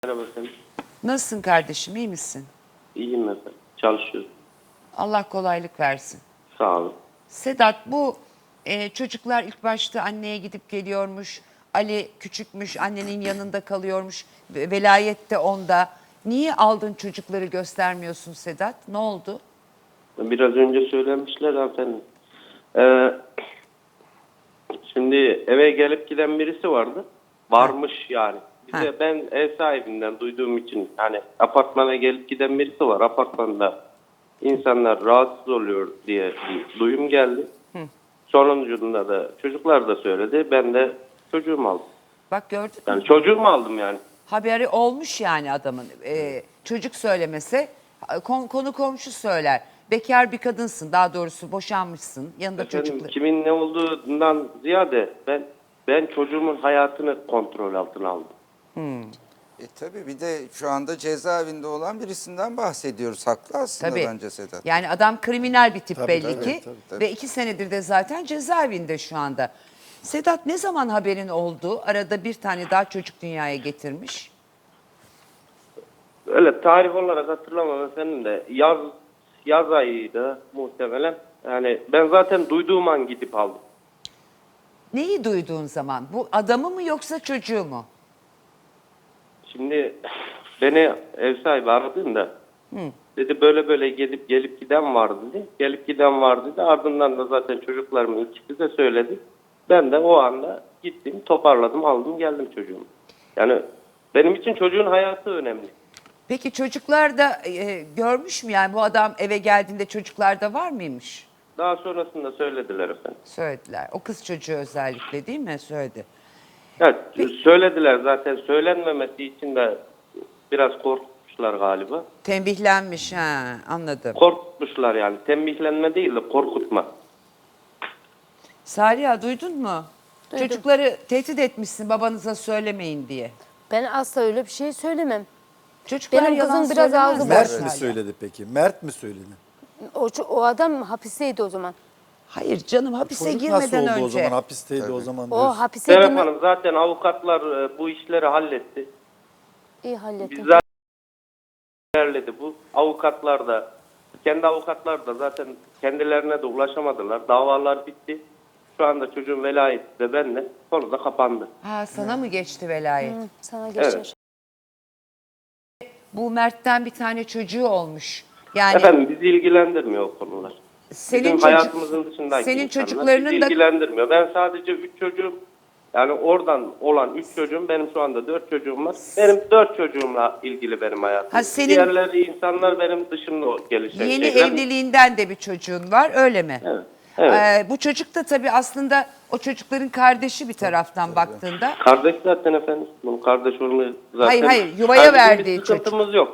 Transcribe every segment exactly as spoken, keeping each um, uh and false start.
Merhaba efendim. Nasılsın kardeşim, iyi misin? İyiyim efendim. Çalışıyorum. Allah kolaylık versin. Sağ olun. Sedat, bu e, çocuklar ilk başta anneye gidip geliyormuş. Ali küçükmüş, annenin yanında kalıyormuş. ve- Velayet de onda. Niye aldın çocukları göstermiyorsun Sedat? Ne oldu? Biraz önce söylemişler efendim. Ee, şimdi eve gelip giden birisi vardı. Varmış yani. Bize Ha. ben ev sahibinden duyduğum için hani apartmana gelip giden birisi var. Apartmanda insanlar rahatsız oluyor diye bir duyum geldi. Sonucunda da çocuklar da söyledi. Ben de çocuğumu aldım. Bak gördün mü? Yani çocuğumu aldım yani. Haberi olmuş yani adamın. E, çocuk söylemese kon- konu komşu söyler. Bekar bir kadınsın, daha doğrusu boşanmışsın. Yanında Efendim, çocuklar. kimin ne olduğundan ziyade ben ben çocuğumun hayatını kontrol altına aldım. E tabii bir de şu anda cezaevinde olan birisinden bahsediyoruz. Haklı aslında Tabii. bence Sedat. Yani adam kriminal bir tip Tabii, belli tabii, ki tabii, tabii. ve iki senedir de zaten cezaevinde şu anda. Sedat, ne zaman haberin oldu? Arada bir tane daha çocuk dünyaya getirmiş. Öyle tarih olarak hatırlamam efendim de yaz yaz ayıydı muhtemelen. Yani ben zaten duyduğum an gidip aldım. Neyi duyduğun zaman? Bu adamı mı yoksa çocuğu mu? Şimdi beni ev sahibi aradığında dedi böyle böyle gelip gelip giden var dedi. Gelip giden var dedi. Ardından da zaten çocuklarımın ikisi de söyledi. Ben de o anda gittim, toparladım, aldım, geldim çocuğumu. Yani benim için çocuğun hayatı önemli. Peki çocuklar da e, görmüş mü yani bu adam eve geldiğinde çocuklar da var mıymış? Daha sonrasında söylediler efendim. Söylediler. O kız çocuğu özellikle değil mi? Söyledi. Evet, söylediler zaten. Söylenmemesi için de biraz korkmuşlar galiba. Tembihlenmiş, ha, anladım. Korkmuşlar yani. Tembihlenme değil de korkutma. Saliha, duydun mu? Duydum. Çocukları tehdit etmişsin babanıza söylemeyin diye. Ben asla öyle bir şey söylemem. Çocuklar Benim yalan kızım biraz söylemezler ağzı Mert boş. mi Saliha. söyledi peki? Mert mi söyledi? O, ço- o adam hapisteydi o zaman. Hayır canım, hapise Çocuk nasıl girmeden oldu önce. o zaman? Hapisteydi o zaman O diyorsun. hapise Serap girme... Hanım, zaten avukatlar e, bu işleri halletti. İyi hallettim. Biz zaten ilerledi bu. Avukatlar da, kendi avukatlar da zaten kendilerine de ulaşamadılar. Davalar bitti. Şu anda çocuğun velayeti de benimle. Konu da kapandı. Ha, sana mı geçti velayet? Hı, sana geçer. Evet. Bu Mert'ten bir tane çocuğu olmuş. Yani Efendim bizi ilgilendirmiyor o konular. senin Bizim çocuk- hayatımızın dışındaki senin insanlar çocuklarının bizi da ilgilendirmiyor. Ben sadece üç çocuğum, yani oradan olan üç çocuğum, benim şu anda dört çocuğum var. Benim dört çocuğumla ilgili benim hayatım. Ha, senin- Diğerleri insanlar benim dışımda gelişen yeni şeyler. evliliğinden de bir çocuğun var, öyle mi? Evet. Evet. Ee, bu çocuk da tabii aslında o çocukların kardeşi bir taraftan baktığında. Kardeş zaten efendim. Bunun kardeş olmayı zaten... Hayır, hayır, yuvaya Kardeşin verdiği bir sıkıntımız yok.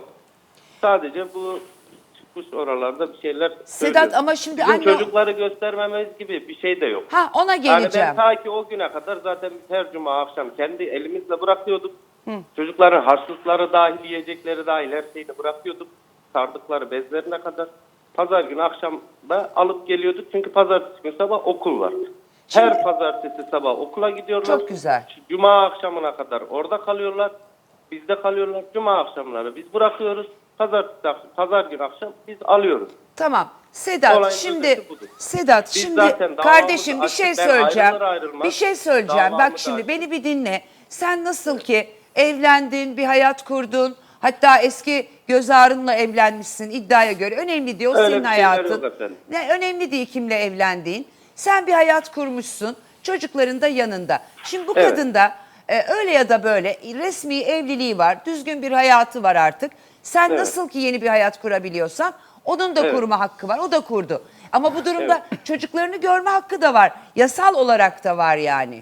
Sadece bu çıkmış oralarda bir şeyler Sedat, söylüyor. ama şimdi Bizim anne- çocukları göstermemiz gibi bir şey de yok. Ha, ona Yani geleceğim. ben ta ki o güne kadar zaten biz her cuma akşam kendi elimizle bırakıyorduk. Çocukların harçlıkları dahil, yiyecekleri dahil her şeyini bırakıyorduk. Sardıkları bezlerine kadar. Pazar günü akşam da alıp geliyorduk. Çünkü pazartesi günü sabah okul var. Her pazartesi sabah okula gidiyorlar. Çok güzel. Cuma akşamına kadar orada kalıyorlar. Bizde kalıyorlar. Cuma akşamları biz bırakıyoruz. Pazartesi, pazar günü akşam biz alıyoruz. Tamam. Sedat, Olayın şimdi özeti budur. Sedat Biz şimdi zaten davamızı kardeşim bir şey açtık. Ben söyleyeceğim. ayrılır ayrılmaz Bir şey söyleyeceğim. Bak davamı şimdi açtım. beni bir dinle. Sen nasıl ki evlendin, bir hayat kurdun. Hatta eski göz ağrınla evlenmişsin iddiaya göre. Önemli değil, o Öyle senin bir şeyler hayatın. yok efendim. Ne önemli değil kimle evlendiğin. Sen bir hayat kurmuşsun. Çocukların da yanında. Şimdi bu Evet. kadın da e, öyle ya da böyle resmi evliliği var. Düzgün bir hayatı var artık. Sen Evet. nasıl ki yeni bir hayat kurabiliyorsan onun da Evet. kurma hakkı var. O da kurdu. Ama bu durumda çocuklarını görme hakkı da var. Yasal olarak da var yani.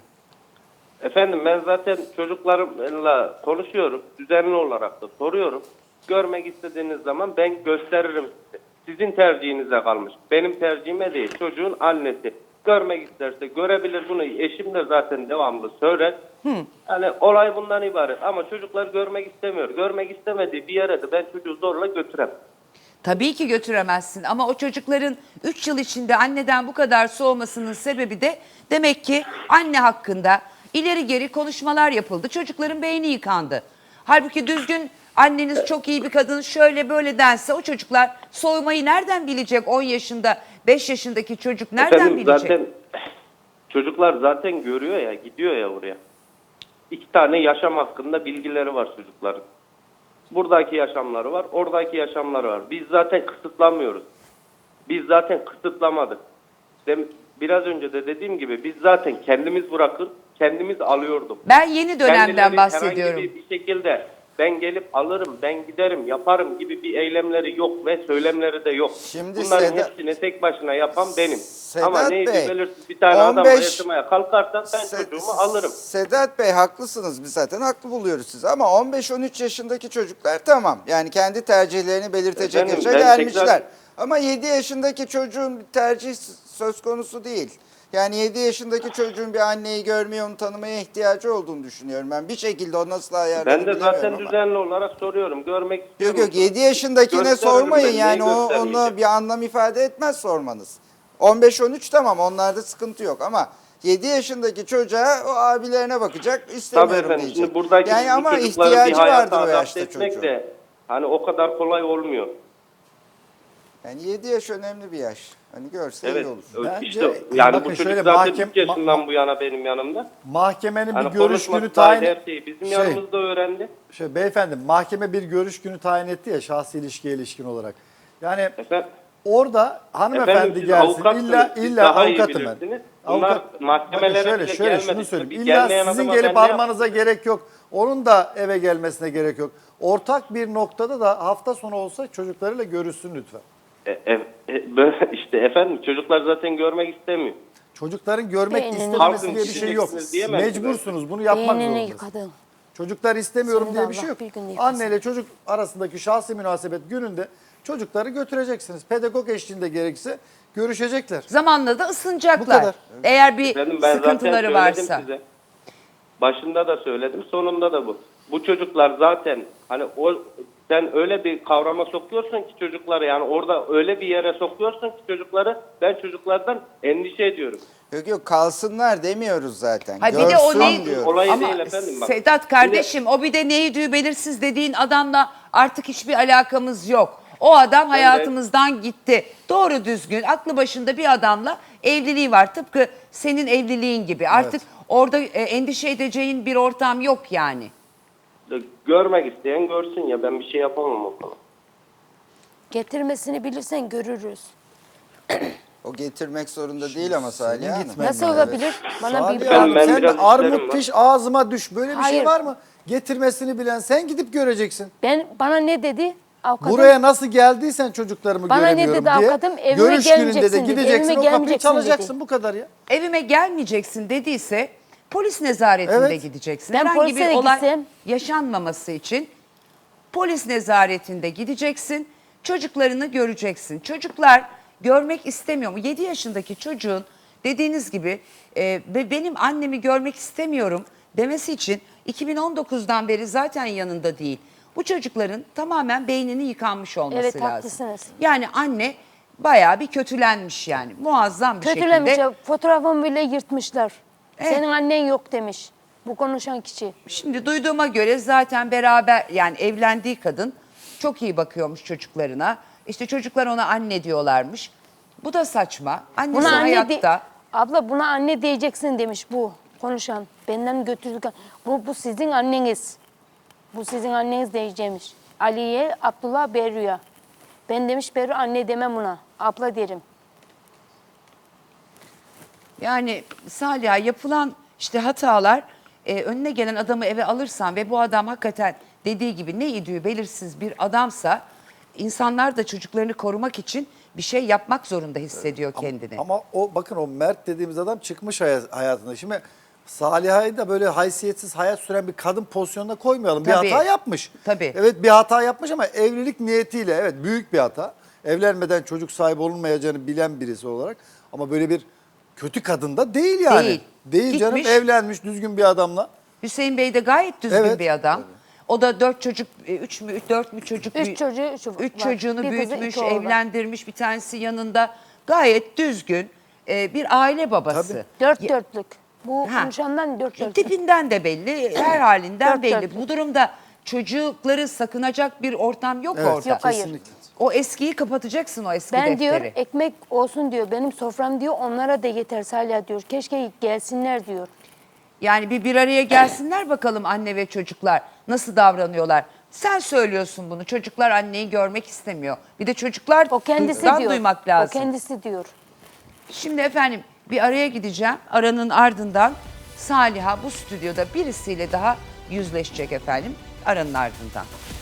Efendim ben zaten çocuklarımla konuşuyorum. Düzenli olarak da soruyorum. Görmek istediğiniz zaman ben gösteririm size. Sizin tercihinize kalmış. Benim tercihime değil. Çocuğun annesi. Görmek isterse görebilir, bunu eşim de zaten devamlı söyler. Yani olay bundan ibaret. Ama çocuklar görmek istemiyor. Görmek istemediği bir yere de ben çocuğu zorla götüremem. Tabii ki götüremezsin ama o çocukların üç yıl içinde anneden bu kadar soğumasının sebebi de demek ki anne hakkında ileri geri konuşmalar yapıldı. Çocukların beyni yıkandı. Halbuki düzgün anneniz çok iyi bir kadın şöyle böyle dense o çocuklar soymayı nereden bilecek? on yaşında beş yaşındaki çocuk nereden Efendim bilecek? zaten çocuklar zaten görüyor ya, gidiyor ya oraya. İki tane yaşam hakkında bilgileri var çocukların. Buradaki yaşamları var, oradaki yaşamları var. Biz zaten kısıtlamıyoruz. Biz zaten kısıtlamadık. Dem- Biraz önce de dediğim gibi biz zaten kendimiz bırakır, kendimiz alıyorduk. Ben yeni dönemden Kendileri bahsediyorum. herhangi bir, bir şekilde ben gelip alırım, ben giderim, yaparım gibi bir eylemleri yok ve söylemleri de yok. Şimdi Bunların Seda- hepsini tek başına yapan benim. Sedat Ama neydi Bey, belirsiz bir tane adam on beş yaşamaya kalkarsa ben Se- çocuğumu alırım. Sedat Bey haklısınız, biz zaten haklı buluyoruz sizi ama on beş on üç yaşındaki çocuklar tamam. Yani kendi tercihlerini belirtecek Efendim, yaşa ben gelmişler. tekrar- Ama yedi yaşındaki çocuğun bir tercih söz konusu değil. Yani yedi yaşındaki çocuğun bir anneyi görmeye, onu tanımaya ihtiyacı olduğunu düşünüyorum ben. Bir şekilde o nasıl ayarlanır Ben de zaten bilemiyorum ama. düzenli olarak soruyorum. Görmek istiyorum. Yok yok yedi yaşındakine Gösteririm sormayın ben, yani neyi o, göstermeyeceğim? onu bir anlam ifade etmez sormanız. on beş on üç tamam onlarda sıkıntı yok ama yedi yaşındaki çocuğa o abilerine bakacak Tabii istemiyorum efendim. diyecek. Şimdi buradaki yani bu ama çocukları bir ihtiyacı hayata vardır o adapte yaşta etmek çocuğun. de hani o kadar kolay olmuyor. Yani yedi yaş önemli bir yaş. Hani görse Evet. iyi olur. Bence- işte yani bakın bu çocuk şöyle zaten mahkem- üç yaşından ma- bu yana benim yanımda. Mahkemenin Hani bir görüş konuşması günü dahil tayin... her şeyi bizim Şey, yanımızda öğrendi. Şey, beyefendi mahkeme bir görüş günü tayin etti ya şahsi ilişkiye ilişkin olarak. Yani Efendim, orada hanımefendi efendim siz gelsin avukatsınız. illa Siz illa daha iyi avukatım ben. bilirsiniz. Bunlar Avukat, mahkemelere bakın şöyle bile şöyle şunu gelmedik. söyleyeyim. Bir İlla gelmeyen sizin adama gelip ben ne almanıza gerek yok. Onun da eve gelmesine gerek yok. Ortak bir noktada da hafta sonu olsa çocuklarıyla görüşsün lütfen. E, e, e, böyle işte efendim çocuklar zaten görmek istemiyor. Çocukların görmek Beynini istememesi Halkın diye bir şey yok. içindesiniz diyemem ki ben. Mecbursunuz bunu yapmak Beynini zorundasınız. yıkadın. Çocuklar istemiyorum Seni de diye bir Allah şey yok. bir gün yıkasın. Anne ile çocuk arasındaki şahsi münasebet gününde çocukları götüreceksiniz. Pedagog eşliğinde gerekirse görüşecekler. Zamanla da ısınacaklar. Bu kadar. Eğer bir Efendim ben zaten sıkıntıları söyledim varsa. size. Başında da söyledim, sonunda da bu. Bu çocuklar zaten hani o sen öyle bir kavrama sokuyorsun ki çocukları yani orada öyle bir yere sokuyorsun ki çocukları ben çocuklardan endişe ediyorum. Yok yok kalsınlar demiyoruz zaten. Ha bir Görsün de o ne diyoruz. Olay ama değil efendim bak. Sedat kardeşim o bir de neydi belirsiz dediğin adamla artık hiçbir alakamız yok. O adam hayatımızdan gitti. Doğru düzgün aklı başında bir adamla evliliği var. Tıpkı senin evliliğin gibi. Artık orada e, endişe edeceğin bir ortam yok yani. Görmek isteyen görsün ya ben bir şey yapamam o konuda. Getirmesini bilirsen görürüz. O getirmek zorunda değil ama Salih Hanım. gitmen Nasıl lazım. olabilir? Bana Salih bir Ben- Hanım, ben sen de biraz işlerim armut var. piş ağzıma düş. Böyle bir şey Hayır. var mı? Getirmesini bilen sen gidip göreceksin. ben bana ne dedi? Avukatım, Buraya nasıl geldiysen çocuklarımı Bana ne göremiyorum dedi diye. avukatım? Evime Görüş gününde de gelmeyeceksin dedi. gideceksin Evime o kapıyı gelmeyeceksin çalacaksın dedi. bu kadar ya. Evime gelmeyeceksin dediyse polis nezaretinde Evet. gideceksin. Ben Herhangi polise bir de olay gitsem- yaşanmaması için polis nezaretinde gideceksin. Çocuklarını göreceksin. Çocuklar görmek istemiyor mu? yedi yaşındaki çocuğun dediğiniz gibi e, be- benim annemi görmek istemiyorum demesi için iki bin on dokuzdan beri zaten yanında değil. Bu çocukların tamamen beynini yıkanmış olması Evet, lazım. haklısınız. Yani anne bayağı bir kötülenmiş yani. Muazzam bir Kötülemiş şekilde. ya. Fotoğrafımı bile yırtmışlar. Evet. Senin annen yok demiş. Bu konuşan kişi. Şimdi duyduğuma göre zaten beraber yani evlendiği kadın çok iyi bakıyormuş çocuklarına. İşte çocuklar ona anne diyorlarmış. Bu da saçma. Annesi Buna anne hayatta. de- abla buna anne diyeceksin demiş bu konuşan. Benden götürdük. Bu, bu sizin anneniz. Bu sizin anneniz diyeceğimiş. Aliye, Abdullah, Berru'ya. Ben demiş Berru anne demem buna. Abla derim. Yani Saliha yapılan işte hatalar e, önüne gelen adamı eve alırsan ve bu adam hakikaten dediği gibi ne idüğü belirsiz bir adamsa insanlar da çocuklarını korumak için bir şey yapmak zorunda hissediyor kendini. Ama o bakın o Mert dediğimiz adam çıkmış hay- hayatında. Şimdi Saliha'yı da böyle haysiyetsiz hayat süren bir kadın pozisyonuna koymayalım. Tabii. Bir hata yapmış. Tabii. Evet bir hata yapmış ama evlilik niyetiyle evet büyük bir hata. Evlenmeden çocuk sahibi olunmayacağını bilen birisi olarak ama böyle bir kötü kadın da değil yani. Değil. Değil canım Gitmiş. evlenmiş düzgün bir adamla. Hüseyin Bey de gayet düzgün Evet. bir adam. O da dört çocuk, e, üç mü, dört mü çocuk? Üç büyü- çocuğu, üç var. Üç çocuğunu Bir kızı, büyütmüş, iki oğlu var. evlendirmiş, bir tanesi yanında. Gayet düzgün e, bir aile babası. Tabii. Dört Ya- dörtlük. Bu Ha. konuşandan dört dörtlük. Tipinden de belli, her halinden Dört belli. dörtlük. Bu durumda çocukları sakınacak bir ortam yok Evet, orada. Yok, hayır. kesinlikle. O eskiyi kapatacaksın, o eski Ben defteri. diyor ekmek olsun diyor. Benim sofram diyor onlara da yeter Salih diyor. Keşke gelsinler diyor. Yani bir bir araya gelsinler bakalım anne ve çocuklar nasıl davranıyorlar. Sen söylüyorsun bunu. Çocuklar anneyi görmek istemiyor. Bir de çocuklar O kendisi duygudan diyor. duymak lazım. O kendisi diyor. Şimdi efendim bir araya gideceğim. Aranın ardından Saliha bu stüdyoda birisiyle daha yüzleşecek efendim. Aranın ardından.